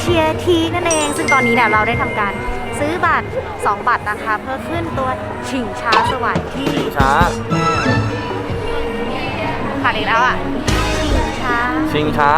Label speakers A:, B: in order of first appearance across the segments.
A: เชียทีนั่นเองซึ่งตอนนี้เนี่ยเราได้ทำการซื้อบัตร2บัตรนะคะเพื่อขึ้นตัวชิงช้าสวรรค์ที่
B: ชิงช้า
A: ขาดอีกแล้วอ่ะชิงช้า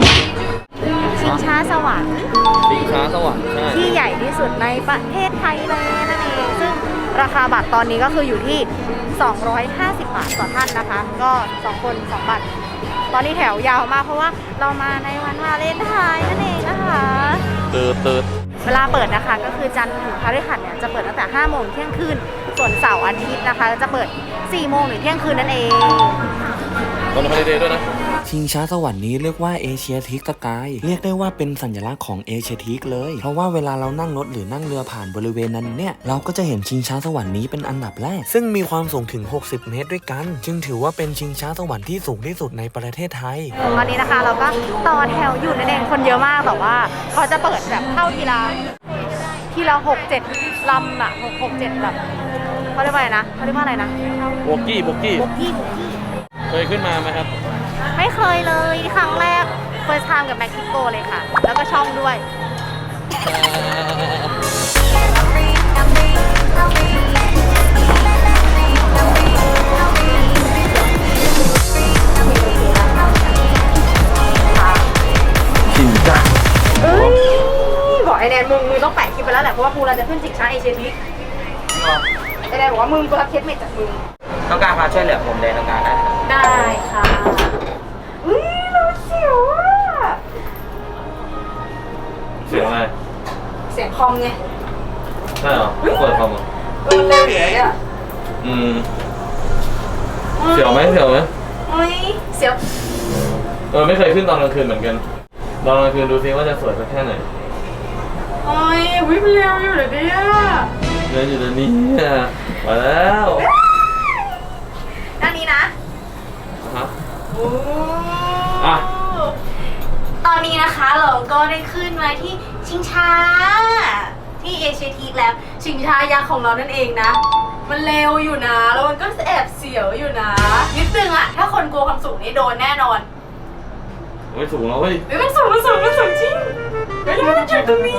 A: สวรรค์
B: ชิงช้าสวรรค์ใช่
A: ที่ใหญ่ที่สุดในประเทศไทยเลยนั่นเองซึ่งราคาบัตรตอนนี้ก็คืออยู่ที่250 บาทต่อท่านนะคะก็2คน2บัตรตอนนี้แถวยาวมากเพราะว่าเรามาในวันวาเลนไทน์นั่นเองนะคะ
B: ตืด
A: เวลาเปิดนะคะก็คือจันทร์ถึงพฤหัสเนี่ยจะเปิดตั้งแต่5 โมงเที่ยงคืนส่วนเสาร์อาทิตย์นะคะจะเปิด4 โมงถึงเที่ยงคืนนั่นเอง
B: วันฮอลิเดย์ด้วยนะ
C: ชิงช้าสวรรค์นี้เรียกว่าเอเชียทิกสกายเรียกได้ว่าเป็นสัญลักษณ์ของเอเชียทิกเลยเพราะว่าเวลาเรานั่งรถหรือนั่งเรือผ่านบริเวณนั้นเนี่ยเราก็จะเห็นชิงช้าสวรรค์นี้เป็นอันดับแรกซึ่งมีความสูงถึง60 เมตรด้วยกันจึงถือว่าเป็นชิงช้าสวรรค์ที่สูงที่สุดในประเทศไทย
A: ตอนนี้นะคะเราก็ต่อแถวอยู่นั่นเองคนเยอะมากแต่ว่าเขาจะเปิดแบบเข้าทีละ6-7 ลำอะ6-7แบบเขาเรียกว่าอะไรนะ
B: โบกี้เคยขึ้นมาไหมครับ
A: ไม่เคยเลยครั้งแรกfirst time กับเม็กซิโกเลยค่ะแล้วก็ช่องด้วย
B: ชิงช้า
A: บอกไอแนนมึงต้องแปะคลิปไปแล้วแหละเพราะว่ากูเราจะขึ้นชิงช้าเอเชียทิกไอแนนบอกว่ามึงกูรับเคสเมทจากมึง
B: ต้องการความช่วยเหลือผมเลยต้องการ
A: ได้ค่ะเราเสียวอ่ะ
B: เสียงอะไร
A: เสียงคอมไง
B: ใช่เหรอเปิดคอมเหรอ
A: เร็วเลยอ่ะ
B: เสียวไหมเสียวไม่เคยขึ้นตอนกลางคืนเหมือนกันตอนกลางคืนดูซิว่าจะสวยสักแค่ไหน
A: วิ่งเร็วอยู่เลยเนี่ย
B: เดินอยู่ตรงนี้มาแล้ว
A: ด้านนี้นะตอนนี้นะคะเราก็ได้ขึ้นมาที่ชิงช้าที่เอเชียทีแล้วชิงช้ายักษ์ของเรานั่นเองนะมันเร็วอยู่นะแล้วมันก็แอบเสียวอยู่นะนิดนึงอะถ้าคนกลัวความสูงนี่โดนแน่นอน
B: สูงแล้วเว้ย
A: มันสูงจริงมันจุดตรงนี้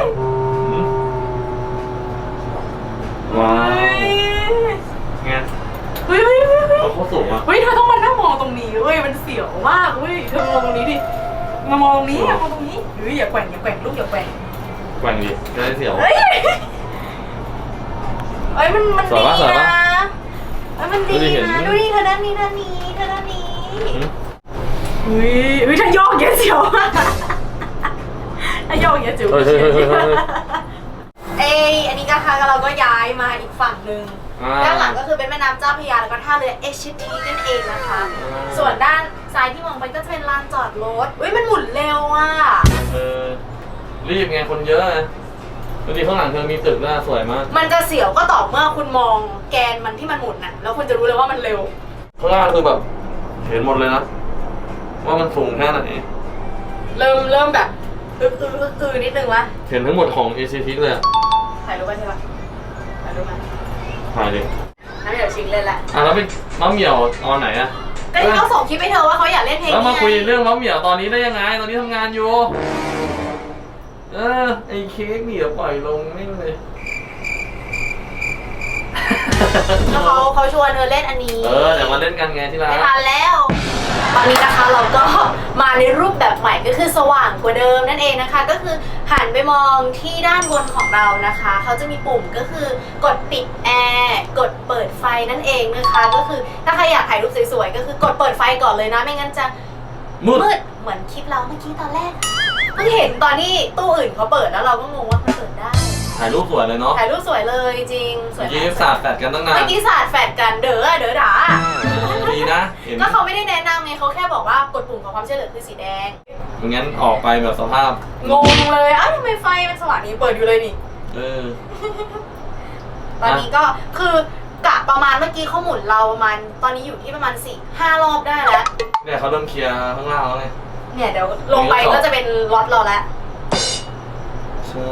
B: ว้าวไงเขาสูงอ่ะ
A: เธอต้องมานั่งมองตรงนี้เว้ยมันเสียวมากเว้ยเธอมองตรงนี้ดิมามองตรงนี้มองตรงนี้อย่าแกว่งลูกอย่าแกว่ง
B: ดิจะได้เสียว
A: มันดีนะมันดีนะดูดิเธอด้านนี้ถ้าโยกเยอะเสียวถ้าโยกเยอะจิ๋วอันนี้นะคะเราก็ย้ายมาอีกฝั่งหนึ่งด้านหลังก็คือเป็นแม่น้ำเจ้าพระยาแล้วก็ท่าเรือเอเชียทีนั่นเองนะคะส่วนด้านซ้ายที่มองไปก็จะเป็นลานจอดรถมันหมุนเร็วอ่ะ
B: รีบไงคนเยอะดูดิข้างหลังเธอมีตึกน่าสวยมาก
A: มันจะเสียวก็ต่อเมื่อคุณมองแกนมันที่มันหมุนน่ะแล้วคุณจะรู้เลยว่ามันเร็ว
B: ข้างล่างคือแบบเห็นหมดเลยนะว่ามันสูงแค่ไหน
A: เริ่มแบบนิดนึงวะ
B: เห็นทั้งหมดของเอเชียทีเลย
A: ถ่ายรูปไปใช่ปะถ่ายรูปมา
B: ถ่ายดิ
A: น้ำเหมียวชิงเลยแหละ
B: แล้วเป็นน้ำเหมียวตอนไหนอะ
A: ก็ที่เขาส่งคลิปให้เธอว่าเขาอยากเล่นเพลง
B: แล้วมาคุยเรื่องน้ำเหมียวตอนนี้ได้ยังไงตอนนี้ทำงานอยู่ไอ้เค้กนี่เดี๋ยวปล่อยลงนิ่งเลย
A: แล้วเขาชวนเธอเล่นอันนี้
B: เดี๋ยวมาเล่นกันไงที่ร้าน
A: ไม่ทันแล้วตอนนี้นะคะเราก็มาในรูปแบบใหม่ก็คือสว่างกว่าเดิมนั่นเองนะคะก็คือหันไปมองที่ด้านบนของเรานะคะเขาจะมีปุ่มก็คือกดปิดแอร์กดเปิดไฟนั่นเองนะคะก็คือถ้าใครอยากถ่ายรูปสวยๆก็คือกดเปิดไฟก่อนเลยนะไม่งั้นจะมืดเหมือนคลิปเราเมื่อกี้ตอนแรกเพิ่งเห็นตอนที่ตู้อื่นเขาเปิดแล้วเราก็งงว่ามันเปิดได้
B: ถ่ายรูปสวยเลยเนาะ
A: ถ่ายรูปสวยเลยจริงสวย
B: เมื่อกี้สาดแฟดกันตั้งนาน
A: เมื่อกี้สาดแฟดกันเด้อด่า
B: ดีนะ
A: ก็เขาไม่ได้แนะนำไงเขาแค่บอกว่ากดปุ่มขอความช่วยเหลือคือสีแดง
B: งั้นออกไปแบบสภาพ
A: งงเลยทำไมไฟมันสว่างนี้เปิดอยู่เลยนี่ตอนนี้ก็คือกะประมาณเมื่อกี้เขาหมุนเราประมาณตอนนี้อยู่ที่ประมาณ4-5 รอบได้แล้ว
B: เนี่ยเขาเริ่มเคลียร์ข้างล่างแล้วไง
A: เนี่ยเดี๋ยวลงไปก็จะเป็นล็อตเราแล้ว
B: ใช่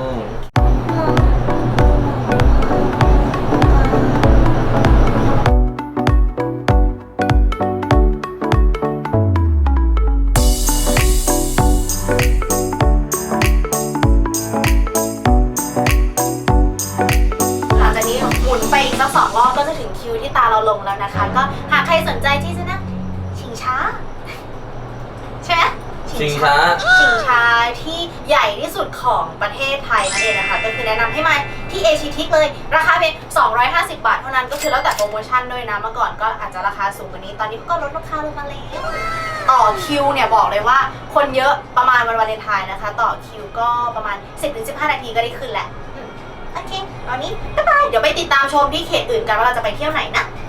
B: ชิงช้า
A: ชิงช้าที่ใหญ่ที่สุดของประเทศไทยนั่นเองนะคะก็คือแนะนำให้มาที่เอเชียทิกเลยราคาเพียง250 บาทเท่านั้นก็คือแล้วแต่โปรโมชั่นด้วยนะเมื่อก่อนก็อาจจะราคาสูงกว่านี้ตอนนี้ก็ลดราคาลงมาแล้วต่อคิวเนี่ยบอกเลยว่าคนเยอะประมาณวันวาเลนไทน์นะคะต่อคิวก็ประมาณ 10-15 นาทีก็ได้ขึ้นแหละโอเคตอนนี้บ๊ายบายเดี๋ยวไปติดตามชมที่เขตอื่นกันว่าเราจะไปเที่ยวไหนนะ